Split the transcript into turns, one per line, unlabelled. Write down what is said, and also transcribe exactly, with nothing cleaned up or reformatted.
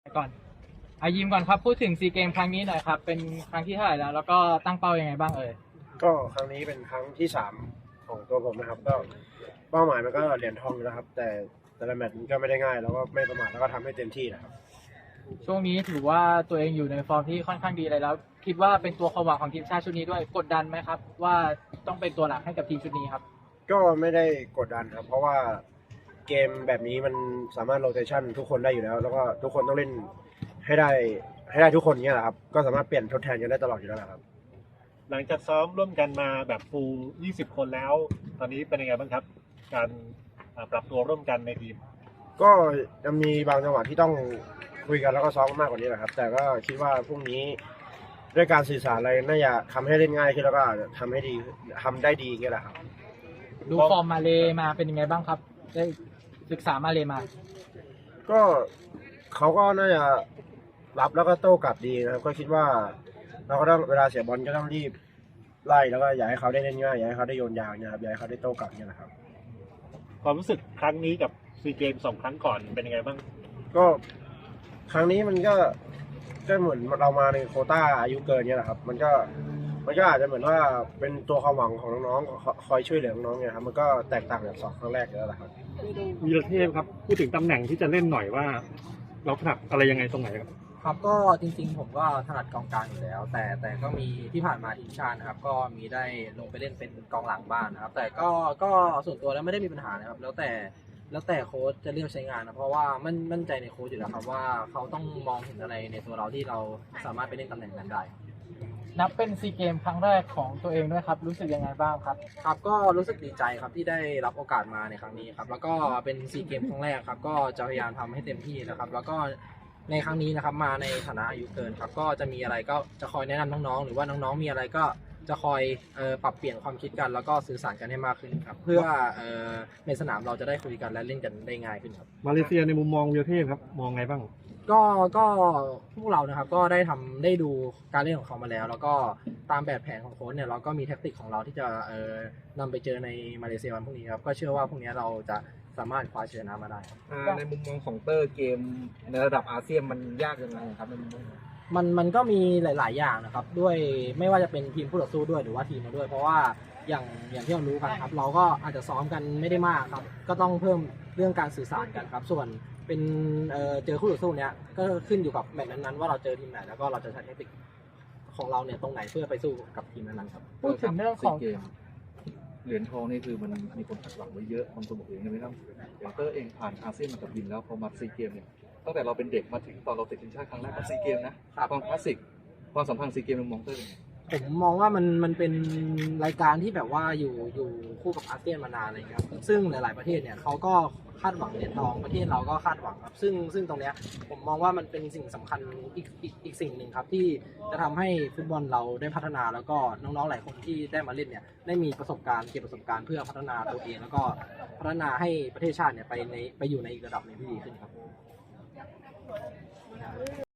ก่อนอายิมก่อนครับพูดถึงซีเกมครั้งนี้หน่อยครับเป็นครั้งที่เท่าไหร่แล้วแล้วก็ตั้งเป้ายังไงบ้างเอ่ย
ก็ครั้งนี้เป็นครั้งที่สามของตัวผมนะครับก็เป้าหมายมันก็เหรียญทองอยู่แล้วครับแต่แต่ละแมตช์มันก็ไม่ได้ง่ายแล้วก็ไม่ประมาทแล้วก็ทำให้เต็มที่นะครับ
ช่วงนี้ถือว่าตัวเองอยู่ในฟอร์มที่ค่อนข้างดีเลยแล้วคิดว่าเป็นตัวความหวังของทีมชาติชุดนี้ด้วยกดดันไหมครับว่าต้องเป็นตัวหลักให้กับทีมชุดนี้ครับ
ก็ไม่ได้กดดันครับเพราะว่าเกมแบบนี้มันสามารถโรเตชันทุกคนได้อยู่แล้วแล้วก็ทุกคนต้องเล่นให้ได้ให้ได้ทุกคนเงี้ยแหละครับก็สามารถเปลี่ยนทดแทนกันได้ตลอดอยู่แล้วครับ
หลังจากซ้อมร่วมกันมาแบบฟูลยี่สิบคนแล้ว ตอนนี้เป็นยังไงบ้างครับ การปรับตัวร่วมกันในทีม
ก็จะมีบางจังหวะที่ต้องคุยกันแล้วก็ซ้อมมากกว่านี้แหละครับแต่ก็คิดว่าพรุ่งนี้ด้วยการสื่อสารอะไรน่าจะทำให้เล่นง่ายขึ้นแล้วก็ทำให้ดีทำได้ดีเงี้ยแหละครับ
ดูฟอร์มมาเลมาเป็นยังไงบ้างครับได้ศึกษามาเลมา
ก็เขาก็น่าจะรับแล้วก็โต้กลับดีนะครับก็คิดว่าเราก็ต้องเวลาเสียบอลก็ต้องรีบไล่แล้วก็อยากให้เขาได้เล่นง่ายอยากให้เขาได้โยนยาวเนี่ยครับอยากให้เขาได้โต้กลับเนี่ยนะครับ
ความรู้สึกครั้งนี้กับซีเกมสองครั้งก่อนเป็นยังไงบ้าง
ก็ครั้งนี้มันก็ก็เหมือนเรามาในโควต้าอายุเกินเนี่ยแหละครับมันก็มันก็อาจจะเหมือนว่าเป็นตัวความหวังของน้องๆคอยช่วยเหลือน้องๆเนี่ยครับมันก็แตกต่างจากสองครั้งแรกแล้วแหละครับ
วีรเทพครับพูดถึงตำแหน่งที่จะเล่นหน่อยว่า เราถนัดอะไรยังไงตรงไหนครับ
ครับก็จริงๆผมก็ถนัดกองกลางอยู่แล้ว แต่แต่ก็มีที่ผ่านมาทีมชาตินะครับก็มีได้ลงไปเล่นเป็นกองหลังบ้างนะครับแต่ก็ก็ส่วนตัวแล้วไม่ได้มีปัญหานะครับแล้วแต่แล้วแต่โค้ชจะเลือกใช้งานนะเพราะว่ามั่นมั่นใจในโค้ชอยู่แล้วครับว่าเขาต้องมองเห็นอะไรในตัวเราที่เราสามารถไปเล่นตำแหน่งนั้นได้
นับเป็นซีเกมครั้งแรกของตัวเองด้วยครับรู้สึกยังไงบ้างครับ
ครับก็รู้สึกดีใจครับที่ได้รับโอกาสมาในครั้งนี้ครับแล้วก็เป็นซีเกมครั้งแรกครับก็จะพยายามทำให้เต็มที่นะครับแล้วก็ในครั้งนี้นะครับมาในฐานะอายุเกินครับก็จะมีอะไรก็จะคอยแนะนำน้องๆหรือว่าน้องๆมีอะไรก็จะคอยเอ่อปรับเปลี่ยนความคิดกันแล้วก็สื่อสารกันให้มากขึ้นครับเพื่อเอ่อในสนามเราจะได้คุยกันและเล่นกันได้ง่ายขึ้นครับ
มาเลเซียในมุมมองวีรเทพครับมองไงบ้าง
ก็ก็พวกเรานะครับก็ได้ทำได้ดูการเล่นของเขามาแล้วแล้วก็ตามแบบแผนของโค้ชเนี่ยเราก็มีแท็กติกของเราที่จะเอ่อนำไปเจอในมาเลเซียวันพรุ่งนี้ครับก็เชื่อว่าพรุ่งนี้เราจะสามารถคว้าชัยชนะมาได้
ในมุมมองของเตอร์เกมในระดับอาเซียนมันยากยังไงครับในมุมมอง
มันมันก็มีหลาย ๆ อย่างนะครับด้วยไม่ว่าจะเป็นทีมผู้ต่อสู้ด้วยหรือว่าทีมเราด้วยเพราะว่าอย่างอย่างที่เรารู้กันครับเราก็อาจจะซ้อมกันไม่ได้มากครับก็ต้องเพิ่มเรื่องการสื่อสารกันครับส่วนเป็นเอ่อเจอคู่ต่อสู้เนี้ยก็ขึ้นอยู่กับแมตช์นั้นๆว่าเราเจอทีมไหนแล้วก็เราจะใช้เทคนิคของเราเนี่ยตรงไหนเพื่อไปสู้กับทีมนั้นๆครับ
พูดถึงเรื่องของ
เหรียญทองนี่คือมันมีคนคาดหวังไว้เยอะบางคนบอกเองไม่ต้องอย่างเตอร์เองผ่านอาเซียนมากับบินแล้วพอมาซีเกมเนี่ยตั้งแต่เราเป็นเด็กมาถึงตอนเราติดทีมชาติครั้งแรกกับซีเกมนะความคลาสสิกความสัมพันธ์ซีเกมมองเตอร์
ผมมองว่ามันมันเป็นรายการที่แบบว่าอยู่อยู่คู่กับอาเซียนมานานเลยครับซึ่งหลาย ๆประเทศเนี่ยเขาก็คาดหวังเหรียญทองประเทศเราก็คาดหวังครับซึ่งซึ่งตรงเนี้ยผมมองว่ามันเป็นสิ่งสำคัญอีกอีกอีกสิ่งหนึ่งครับที่จะทำให้ฟุตบอลเราได้พัฒนาแล้วก็น้องๆหลายคนที่ได้มาเล่นเนี่ยได้มีประสบการณ์เก็บประสบการณ์เพื่อพัฒนาตัวเองแล้วก็พัฒนาให้ประเทศชาติเนี่ยไปในไปอยู่ในอีกระดับหนึ่งที่ดีขึ้นครับ